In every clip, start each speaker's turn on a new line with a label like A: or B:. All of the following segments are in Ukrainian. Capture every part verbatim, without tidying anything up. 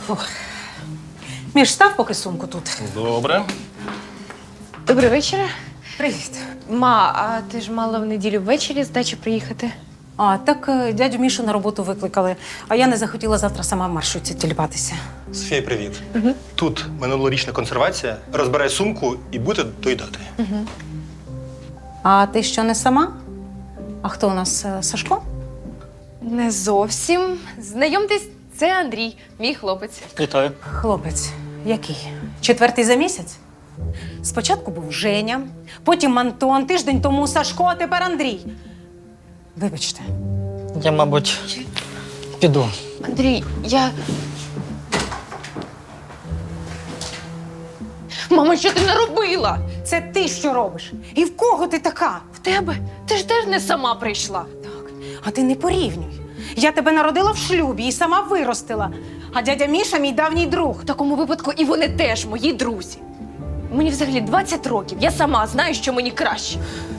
A: Фух. Міш, став поки сумку тут.
B: Добре.
C: Добрий вечір.
A: Привіт.
C: Ма, а ти ж мала в неділю ввечері з дачі приїхати?
A: А, так е, дядю Мішу на роботу викликали, а я не захотіла завтра сама в маршрутці тіліпатися.
B: Софія, привіт. Угу. Тут минулорічна консервація. Розбирай сумку і будете доїдати.
A: Угу. А ти що, не сама? А хто у нас, е, Сашко?
C: Не зовсім. Знайомтесь, це Андрій, мій хлопець.
B: Вітаю.
A: Хлопець. Який? Четвертий за місяць? Спочатку був Женя, потім Антон, тиждень тому Сашко, а тепер Андрій. Вибачте.
D: Я, мабуть, піду.
C: Андрій, я. Мама, що ти наробила?
A: Це ти що робиш? І в кого ти така?
C: В тебе? Ти ж теж не сама прийшла.
A: Так, а ти не порівнюй. Я тебе народила в шлюбі і сама виростила. А дядя Міша – мій давній друг.
C: В такому випадку і вони теж мої друзі. Мені взагалі двадцять років. Я сама знаю, що мені краще.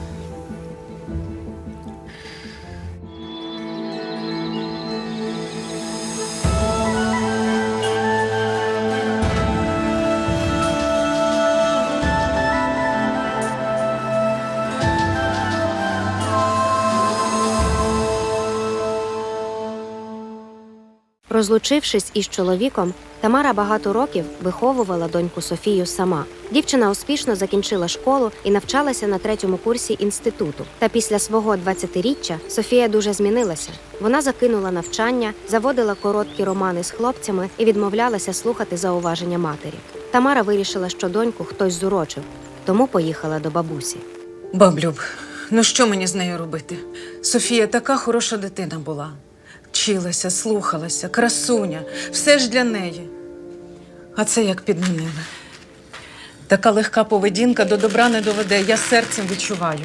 E: Розлучившись із чоловіком, Тамара багато років виховувала доньку Софію сама. Дівчина успішно закінчила школу і навчалася на третьому курсі інституту. Та після свого двадцятиріччя Софія дуже змінилася. Вона закинула навчання, заводила короткі романи з хлопцями і відмовлялася слухати зауваження матері. Тамара вирішила, що доньку хтось зурочив, тому поїхала до бабусі.
A: Баблюб, ну що мені з нею робити? Софія така хороша дитина була. Вчилася, слухалася, красуня. Все ж для неї. А це як підмінили. Така легка поведінка до добра не доведе. Я серцем відчуваю.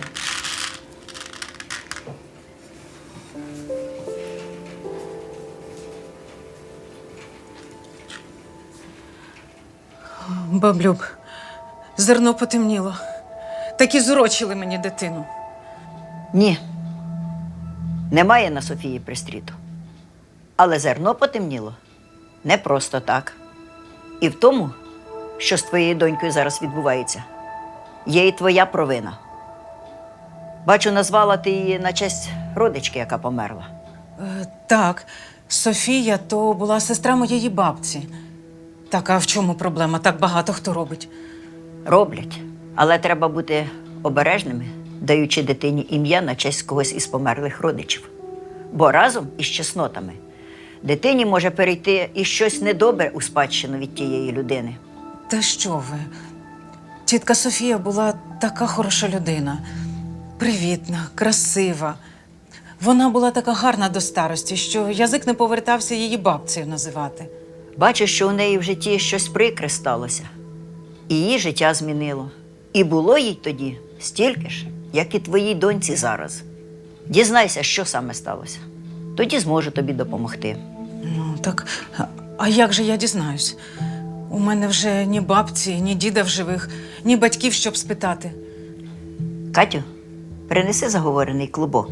A: Баблюб, зерно потемніло. Так і зурочили мені дитину.
F: Ні. Немає на Софії пристріту. Але зерно потемніло не просто так. І в тому, що з твоєю донькою зараз відбувається, є і твоя провина. Бачу, назвала ти її на честь родички, яка померла.
A: Е, так, Софія то була сестра моєї бабці. Так, а в чому проблема? Так багато хто робить.
F: Роблять. Але треба бути обережними, даючи дитині ім'я на честь когось із померлих родичів. Бо разом із чеснотами дитині може перейти і щось недобре у спадщину від тієї людини.
A: Та що ви? Тітка Софія була така хороша людина. Привітна, красива. Вона була така гарна до старості, що язик не повертався її бабцею називати.
F: Бачу, що у неї в житті щось прикре сталося. І її життя змінило. І було їй тоді стільки ж, як і твоїй доньці зараз. Дізнайся, що саме сталося. Тоді зможу тобі допомогти.
A: Ну, так, а- а як же я дізнаюсь? У мене вже ні бабці, ні діда в живих, ні батьків, щоб спитати.
F: Катю, принеси заговорений клубок.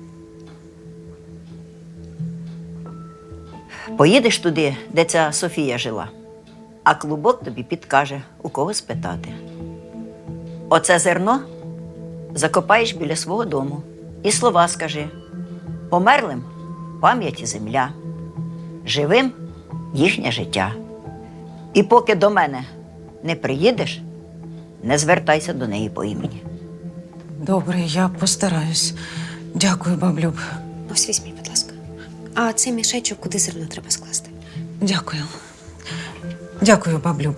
F: Поїдеш туди, де ця Софія жила, а клубок тобі підкаже, у кого спитати. Оце зерно закопаєш біля свого дому і слова скажи: померлим – пам'ять і земля, живим – їхнє життя. І поки до мене не приїдеш, не звертайся до неї по імені.
A: Добре, я постараюсь. Дякую, баблюб.
E: Ось візьміть, будь ласка. А цей мішечок куди зерно треба скласти?
A: Дякую. Дякую, баблюб.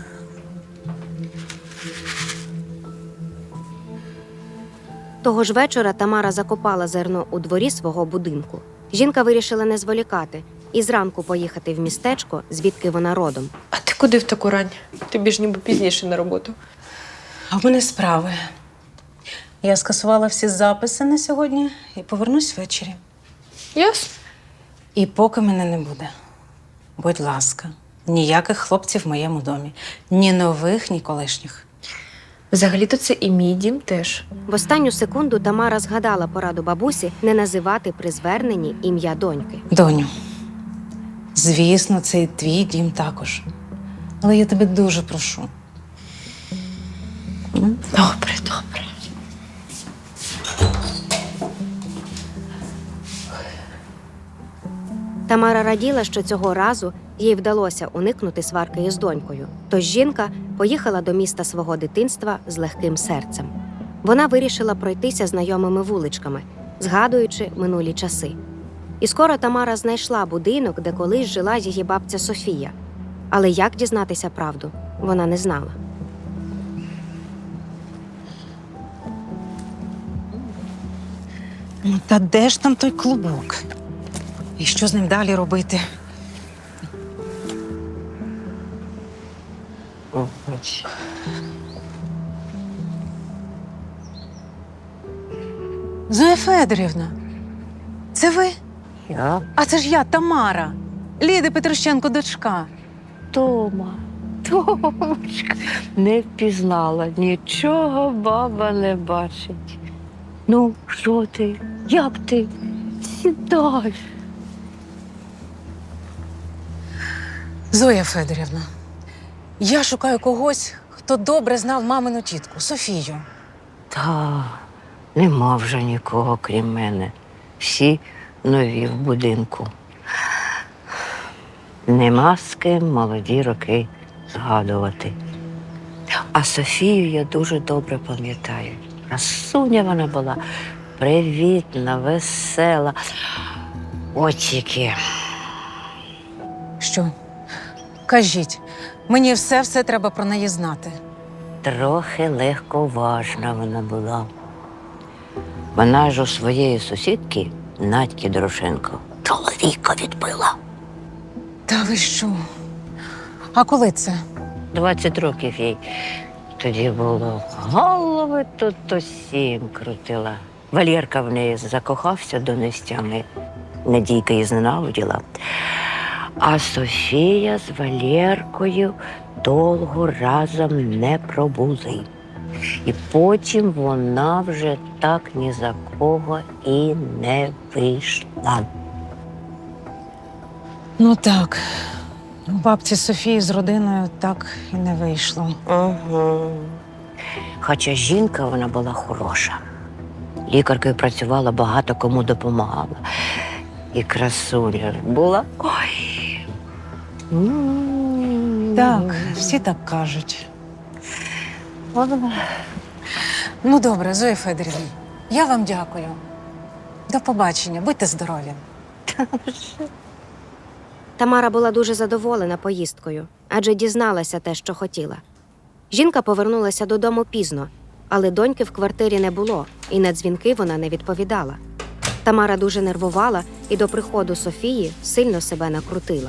E: Того ж вечора Тамара закопала зерно у дворі свого будинку. Жінка вирішила не зволікати і зранку поїхати в містечко, звідки вона родом.
C: А ти куди в таку рань? Тобі ж ніби пізніше на роботу.
A: А в мене справи. Я скасувала всі записи на сьогодні і повернусь ввечері.
C: Ясно.
A: І поки мене не буде, будь ласка, ніяких хлопців в моєму домі. Ні нових, ні колишніх.
C: Взагалі-то це і мій дім теж.
E: В останню секунду Тамара згадала пораду бабусі не називати при зверненні ім'я доньки.
A: Доню, Звісно, це і твій дім також. Але я тебе дуже прошу.
C: Добре, добре.
E: Тамара раділа, що цього разу їй вдалося уникнути сварки із донькою. Тож жінка поїхала до міста свого дитинства з легким серцем. Вона вирішила пройтися знайомими вуличками, згадуючи минулі часи. І скоро Тамара знайшла будинок, де колись жила її бабця Софія. Але як дізнатися правду, вона не знала.
A: Ну, та де ж там той клубок? І що з ним далі робити? Зоя Федорівна, це ви?
G: Я?
A: А це ж я, Тамара, Ліди Петрощенко, дочка.
G: Тома, Томочка, не впізнала, нічого баба не бачить. Ну, що ти? Як ти? Сідай.
A: Зоя Федорівна, я шукаю когось, хто добре знав мамину тітку, Софію.
G: Та, нема вже нікого, крім мене. Всі нові в будинку. Нема з ким молоді роки згадувати. А Софію я дуже добре пам'ятаю. Красуня вона була, привітна, весела. От тільки.
A: Що? Кажіть, мені все-все треба про неї знати.
G: Трохи легковажна вона була. Вона ж у своєї сусідки, Надьки Дорошенко, чоловіка відбила.
A: Та ви що? А коли це?
G: Двадцять років їй тоді було. Голови тут усім крутила. Валєрка в неї закохався до нестями. Надійка її зненавиділа. А Софія з Валєркою довго разом не пробули. І потім вона вже так ні за кого і не вийшла.
A: Ну так, у бабці Софії з родиною так і не вийшло.
G: Угу. Хоча жінка вона була хороша. Лікаркою працювала, багато кому допомагала. І красуня була. Ой. М.
A: Так, всі так кажуть.
G: Ой.
A: Ну добре, Зоя Федорівна, я вам дякую. До побачення, будьте здорові.
E: Тамара була дуже задоволена поїздкою, адже дізналася те, що хотіла. Жінка повернулася додому пізно, але доньки в квартирі не було, і на дзвінки вона не відповідала. Тамара дуже нервувала і до приходу Софії сильно себе накрутила.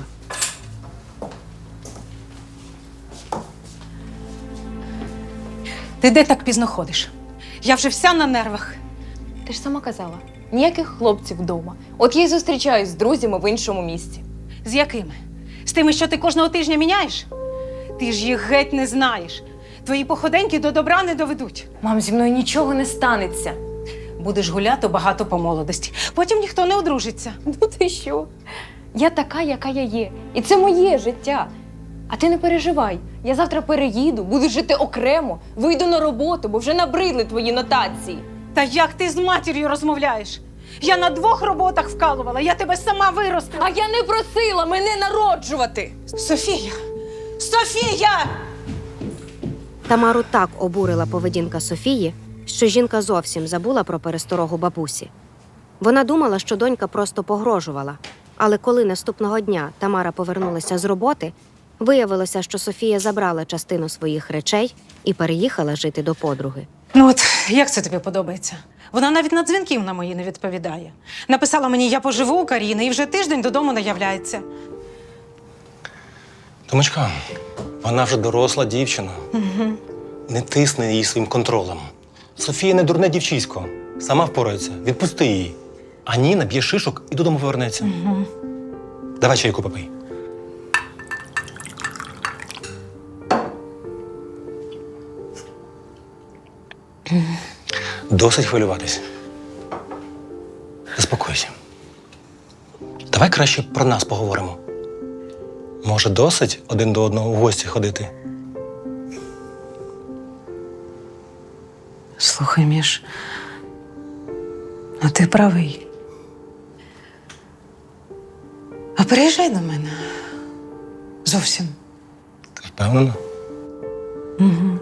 A: Ти де так пізно ходиш? Я вже вся на нервах.
C: Ти ж сама казала, ніяких хлопців вдома. От я й зустрічаюсь з друзями в іншому місті.
A: З якими? З тими, що ти кожного тижня міняєш? Ти ж їх геть не знаєш. Твої походеньки до добра не доведуть.
C: Мам, зі мною нічого не станеться.
A: Будеш гуляти багато по молодості. Потім ніхто не одружиться.
C: Ну ти що? Я така, яка я є. І це моє життя. А ти не переживай. Я завтра переїду, буду жити окремо, вийду на роботу, бо вже набридли твої нотації.
A: Та як ти з матір'ю розмовляєш? Я на двох роботах вкалувала, я тебе сама виростила.
C: А я не просила мене народжувати.
A: Софія! Софія!
E: Тамару так обурила поведінка Софії, що жінка зовсім забула про пересторогу бабусі. Вона думала, що донька просто погрожувала. Але коли наступного дня Тамара повернулася з роботи, виявилося, що Софія забрала частину своїх речей і переїхала жити до подруги.
A: Ну от, як це тобі подобається? Вона навіть на дзвінків на мої не відповідає. Написала мені, я поживу у Каріни, і вже тиждень додому не являється.
B: Томочка, вона вже доросла дівчина.
A: Угу.
B: Не тисни її своїм контролем. Софія не дурне дівчисько. Сама впорається. Відпусти її. А ні, наб'є шишок і додому повернеться.
A: Угу.
B: Давай чайку попий. Досить хвилюватись. Заспокойся. Давай краще про нас поговоримо. Може, досить один до одного в гості ходити?
A: Слухай, Міш, а ти правий. А приїжджай до мене. Зовсім.
B: Ти впевнена?
A: Угу.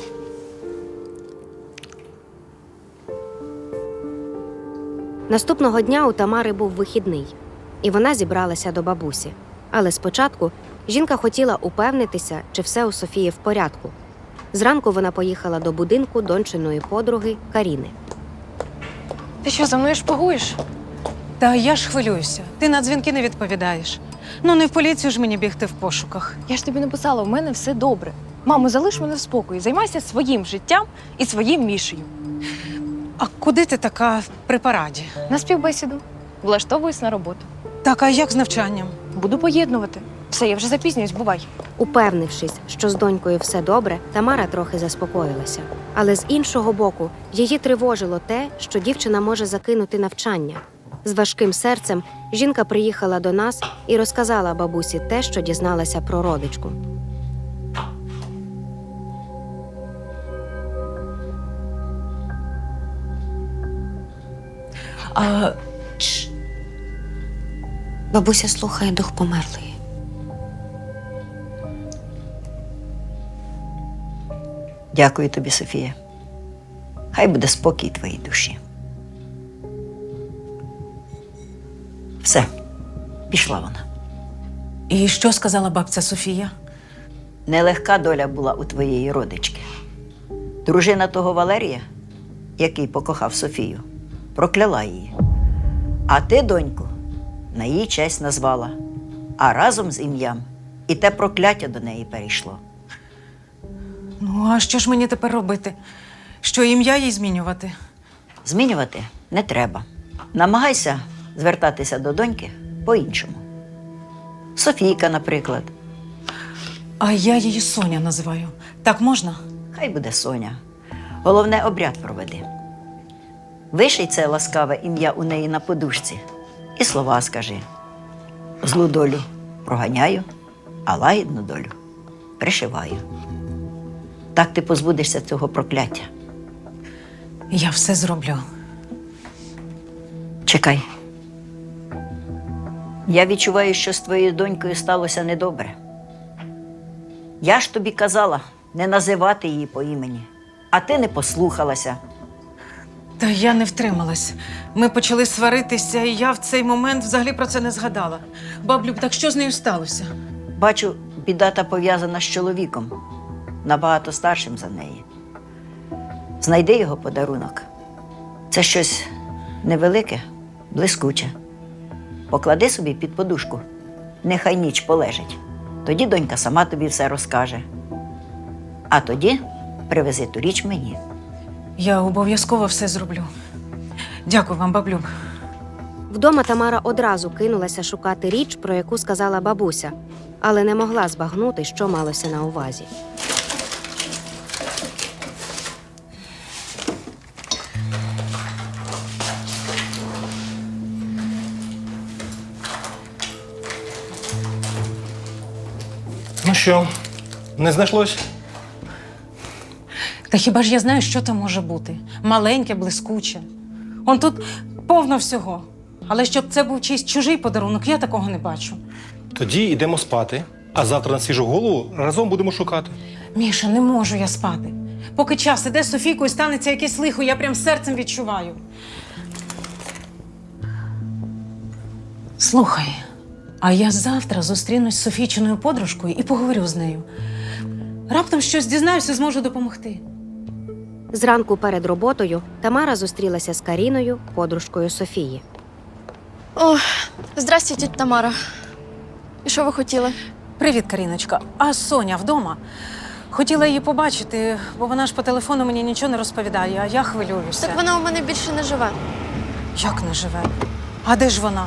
E: Наступного дня у Тамари був вихідний, і вона зібралася до бабусі. Але спочатку жінка хотіла упевнитися, чи все у Софії в порядку. Зранку вона поїхала до будинку дончиної подруги Каріни.
C: Ти що, за мною шпигуєш?
A: Та я ж хвилююся. Ти на дзвінки не відповідаєш. Ну, не в поліцію ж мені бігти в пошуках.
C: Я ж тобі написала, у мене все добре. Мамо, залиш мене в спокої, займайся своїм життям і своїм Мішею.
A: А куди ти така при параді?
C: На співбесіду. Влаштовуюсь на роботу.
A: Так, а як з навчанням?
C: Буду поєднувати. Все, я вже запізнююсь, бувай.
E: Упевнившись, що з донькою все добре, Тамара трохи заспокоїлася. Але з іншого боку, її тривожило те, що дівчина може закинути навчання. З важким серцем жінка приїхала до нас і розказала бабусі те, що дізналася про родичку.
A: А
E: Бабуся слухає дух померлої.
F: Дякую тобі, Софія. Хай буде спокій твоїй душі. Все, пішла вона.
A: і що сказала бабця Софія?
F: Нелегка доля була у твоєї родички. Дружина того Валерія, який покохав Софію, прокляла її. А ти, доньку, на її честь назвала, а разом з ім'ям і те прокляття до неї перейшло.
A: Ну, а що ж мені тепер робити? Що ім'я їй змінювати?
F: Змінювати не треба. Намагайся звертатися до доньки по-іншому. Софійка, наприклад.
A: А я її Соня називаю. Так можна?
F: Хай буде Соня. Головне, обряд проведи. Виший це ласкаве ім'я у неї на подушці і слова скажи. Злу долю проганяю, а лагідну долю пришиваю. Так ти позбудешся цього прокляття.
A: Я все зроблю.
F: Чекай. Я відчуваю, що з твоєю донькою сталося недобре. Я ж тобі казала не називати її по імені, а ти не послухалася.
A: Та я не втрималась. Ми почали сваритися, і я в цей момент взагалі про це не згадала. Баблюб, так що з нею сталося?
F: Бачу, біда та пов'язана з чоловіком, набагато старшим за неї. Знайди його подарунок. Це щось невелике, блискуче. Поклади собі під подушку. Нехай ніч полежить. Тоді донька сама тобі все розкаже. А тоді привези ту річ мені.
A: Я обов'язково все зроблю. Дякую вам, баблюб.
E: Вдома Тамара одразу кинулася шукати річ, про яку сказала бабуся, але не могла збагнути, що малося на увазі.
B: Ну що, не знайшлось?
A: Та хіба ж я знаю, що там може бути? Маленьке, блискуче. Он тут повно всього. Але щоб це був чийсь чужий подарунок, я такого не бачу.
B: Тоді йдемо спати, а завтра на свіжу голову разом будемо шукати.
A: Міша, не можу я спати. Поки час іде з Софійкою, станеться якесь лихо, я прям серцем відчуваю. Слухай, а я завтра зустрінусь з Софійчиною подружкою і поговорю з нею. Раптом щось дізнаюся, зможу допомогти.
E: Зранку перед роботою Тамара зустрілася з Каріною, подружкою Софії.
H: О, здрасте, тітя Тамара. І що ви хотіли?
A: Привіт, Каріночка. А Соня вдома? Хотіла її побачити, бо вона ж по телефону мені нічого не розповідає, а я хвилююся.
H: Так вона у мене більше не живе.
A: Як не живе? А де ж вона?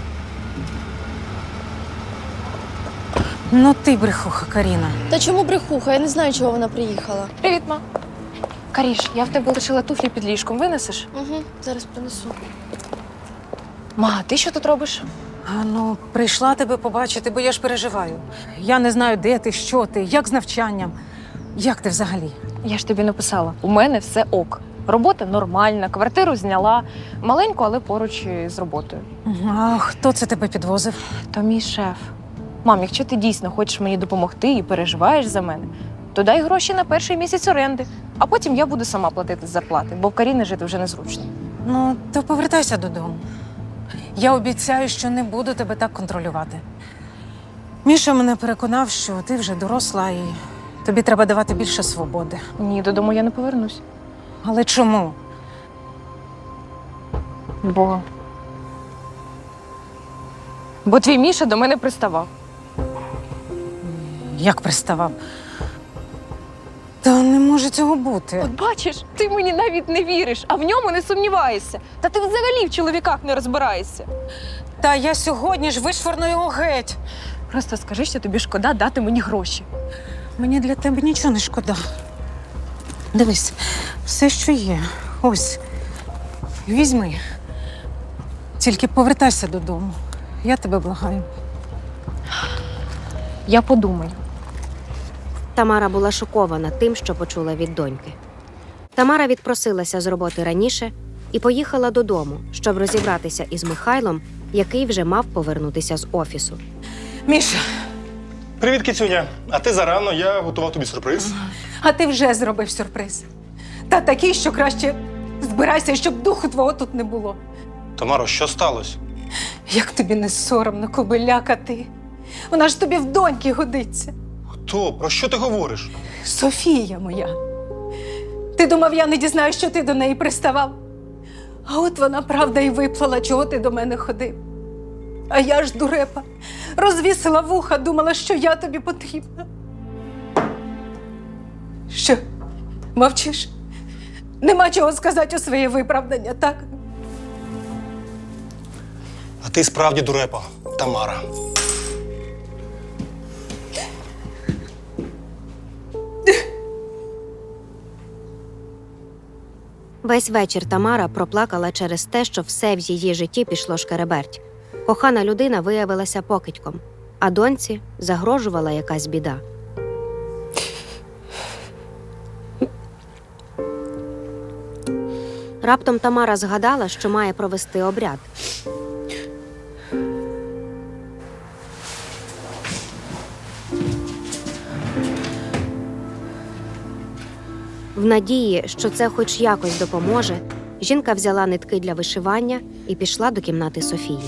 A: Ну ти брехуха, Каріна.
H: Та чому брехуха? Я не знаю, чого вона приїхала.
C: Привіт, ма. Каріш, я в тебе лишила туфлі під ліжком. Винесеш?
H: Угу, зараз принесу.
C: Ма, ти що тут робиш?
A: А ну, прийшла тебе побачити, бо я ж переживаю. Я не знаю, де ти, що ти, як з навчанням. Як ти взагалі?
C: Я ж тобі написала, у мене все ок. Робота нормальна, квартиру зняла. Маленьку, але поруч з роботою.
A: А хто це тебе підвозив?
C: То мій шеф. Мам, якщо ти дійсно хочеш мені допомогти і переживаєш за мене, то дай гроші на перший місяць оренди, а потім я буду сама платити з зарплати, бо в Каріни жити вже незручно.
A: Ну, то повертайся додому. Я обіцяю, що не буду тебе так контролювати. Міша мене переконав, що ти вже доросла і тобі треба давати більше свободи.
C: Ні, додому я не повернусь.
A: Але чому?
C: Бо. Бо твій Міша до мене приставав.
A: Як приставав? Та не може цього бути.
C: От бачиш, ти мені навіть не віриш, а в ньому не сумніваєшся. Та ти взагалі в чоловіках не розбираєшся.
A: Та я сьогодні ж вишвырну його геть.
C: Просто скажи, що тобі шкода дати мені гроші.
A: Мені для тебе нічого не шкода. Дивись, все, що є. Ось. Візьми. Тільки повертайся додому. Я тебе благаю.
C: Я подумаю.
E: Тамара була шокована тим, що почула від доньки. Тамара відпросилася з роботи раніше і поїхала додому, щоб розібратися із Михайлом, який вже мав повернутися з офісу.
A: Міша,
B: Привіт, кицюня. А ти зарано, я готував тобі сюрприз.
A: а ти вже зробив сюрприз. Та такий, що краще збирайся, щоб духу твого тут не було.
B: Тамаро, що сталося?
A: Як тобі не соромно, кобиляка ти? Вона ж тобі в доньки годиться.
B: Хто? Про що ти говориш?
A: Софія моя. Ти думав, я не дізнаюсь, що ти до неї приставав? А от вона правда і виплала, чого ти до мене ходив. А я ж, дурепа, розвісила вуха, думала, що я тобі потрібна. Що, мовчиш? Нема чого сказати у своє виправдання, так?
B: А ти справді дурепа, Тамара.
E: Весь вечір Тамара проплакала через те, що все в її житті пішло шкереберть. Кохана людина виявилася покидьком, а доньці загрожувала якась біда. Раптом Тамара згадала, що має провести обряд. В надії, що це хоч якось допоможе, жінка взяла нитки для вишивання і пішла до кімнати Софії.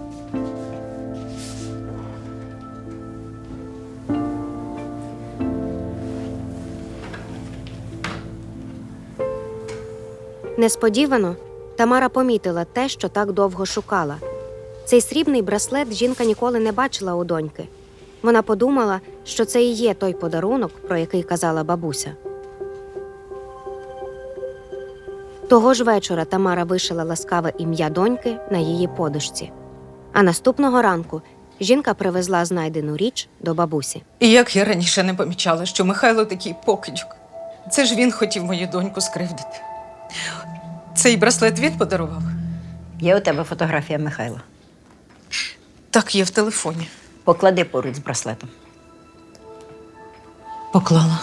E: Несподівано Тамара помітила те, що так довго шукала. Цей срібний браслет жінка ніколи не бачила у доньки. Вона подумала, що це і є той подарунок, про який казала бабуся. Того ж вечора Тамара вишила ласкаве ім'я доньки на її подушці. А наступного ранку жінка привезла знайдену річ до бабусі.
A: І як я раніше не помічала, що Михайло такий покидьок. Це ж він хотів мою доньку скривдити. Цей браслет він подарував?
F: Є у тебе фотографія Михайла.
A: Так, є в телефоні.
F: Поклади поруч з браслетом.
A: Поклала.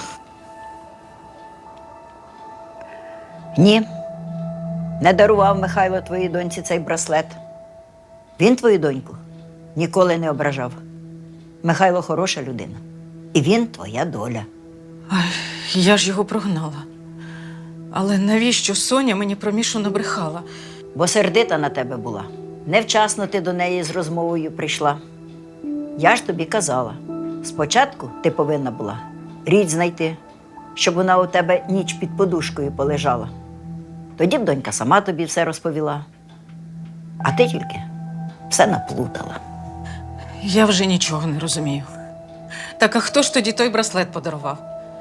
F: Ні. Не дарував Михайло твоїй доньці цей браслет. Він твою доньку ніколи не ображав. Михайло хороша людина. І він твоя доля.
A: Ай, я ж його прогнала. Але навіщо Соня мені про Мішу набрехала?
F: Бо сердита на тебе була. Невчасно ти до неї з розмовою прийшла. Я ж тобі казала, спочатку ти повинна була річ знайти, щоб вона у тебе ніч під подушкою полежала. Тоді б донька сама тобі все розповіла. А ти тільки все наплутала.
A: Я вже нічого не розумію. Так а хто ж тоді той браслет подарував?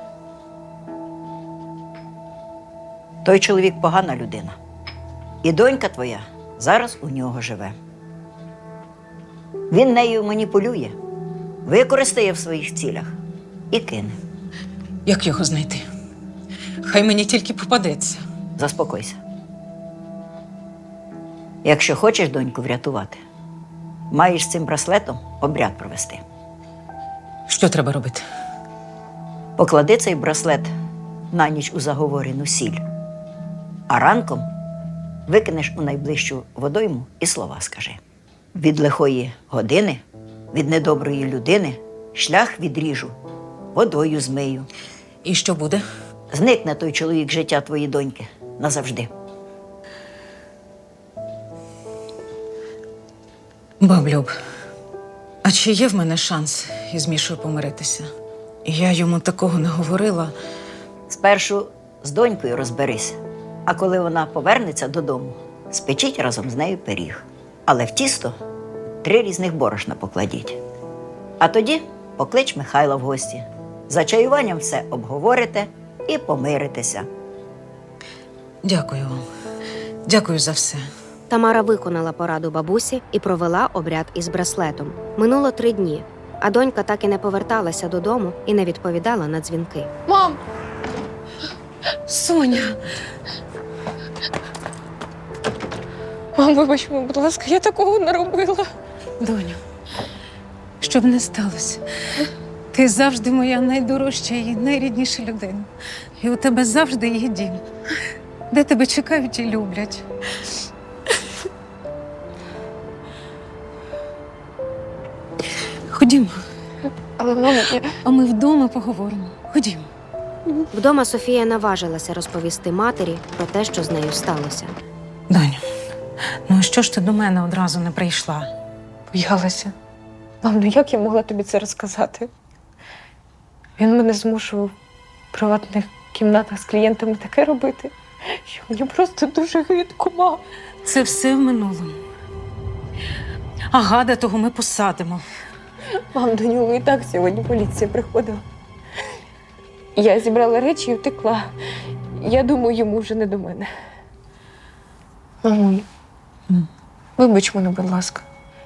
F: Той чоловік погана людина. І донька твоя зараз у нього живе. Він нею маніпулює, використає в своїх цілях і кине.
A: Як його знайти? Хай мені тільки попадеться.
F: Заспокойся. Якщо хочеш доньку врятувати, маєш з цим браслетом обряд провести.
A: Що треба робити?
F: Поклади цей браслет на ніч у заговорену сіль, а ранком викинеш у найближчу водойму і слова скажи. Від лихої години, від недоброї людини шлях відріжу, водою змию.
A: І що буде?
F: Зникне той чоловік з життя твоєї доньки назавжди.
A: Баблюб, а чи є в мене шанс із Мішою помиритися? Я йому такого не говорила.
F: Спершу з донькою розберись, а коли вона повернеться додому, спечіть разом з нею пиріг. Але в тісто три різних борошна покладіть. А тоді поклич Михайла в гості. За чаюванням все обговорите і помиритеся.
A: Дякую вам. Дякую за все.
E: Тамара виконала пораду бабусі і провела обряд із браслетом. Минуло три дні, а донька так і не поверталася додому і не відповідала на дзвінки.
H: Мам!
C: Соня! Мам, вибач мене, будь ласка, я такого не робила.
A: Доню, щоб не сталося. Ти завжди моя найдорожча і найрідніша людина. І у тебе завжди є дім, де тебе чекають і люблять. Ходімо,
C: Але, мама, я...
A: а ми вдома поговоримо. Ходімо.
E: Вдома Софія наважилася розповісти матері про те, що з нею сталося.
A: Доню, ну а що ж ти до мене одразу не прийшла?
C: боялася. Мам, ну як я могла тобі це розказати? Він мене змушував в приватних кімнатах з клієнтами таке робити, що мені просто дуже гидко, мам.
A: Це все в минулому. А гада того ми посадимо.
C: Мам, до нього і так сьогодні поліція приходила. Я зібрала речі і втекла. Я думаю, йому вже не до мене. Мамо,
A: М.
C: вибач мене, будь ласка.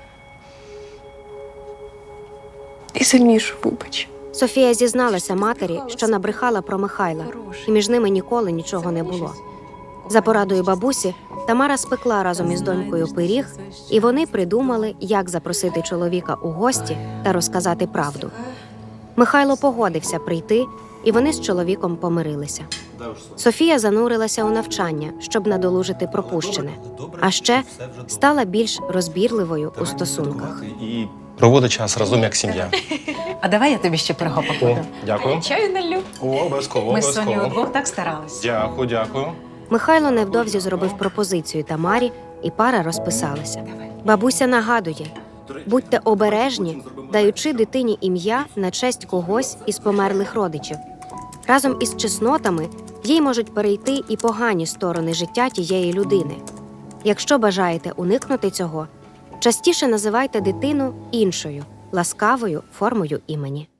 C: І за Мішу вибач.
E: Софія зізналася матері, що набрехала про Михайла, і між ними ніколи нічого не було. За порадою бабусі, Тамара спекла разом із донькою пиріг, і вони придумали, як запросити чоловіка у гості та розказати правду. Михайло погодився прийти, і вони з чоловіком помирилися. Софія занурилася у навчання, щоб надолужити пропущене, а ще стала більш розбірливою у стосунках.
B: І проводить час разом як сім'я.
A: А давай я тобі ще пирога
B: О,
A: покладу.
B: дякую.
C: Чаю налю.
B: О, обов'язково,
A: Ми з Сонею
B: обов'язково.
A: удвох так старались.
B: Дякую, дякую.
E: Михайло невдовзі зробив пропозицію Тамарі, і пара розписалася. Бабуся нагадує: будьте обережні, даючи дитині ім'я на честь когось із померлих родичів. Разом із чеснотами їй можуть перейти і погані сторони життя тієї людини. Якщо бажаєте уникнути цього, частіше називайте дитину іншою, ласкавою формою імені.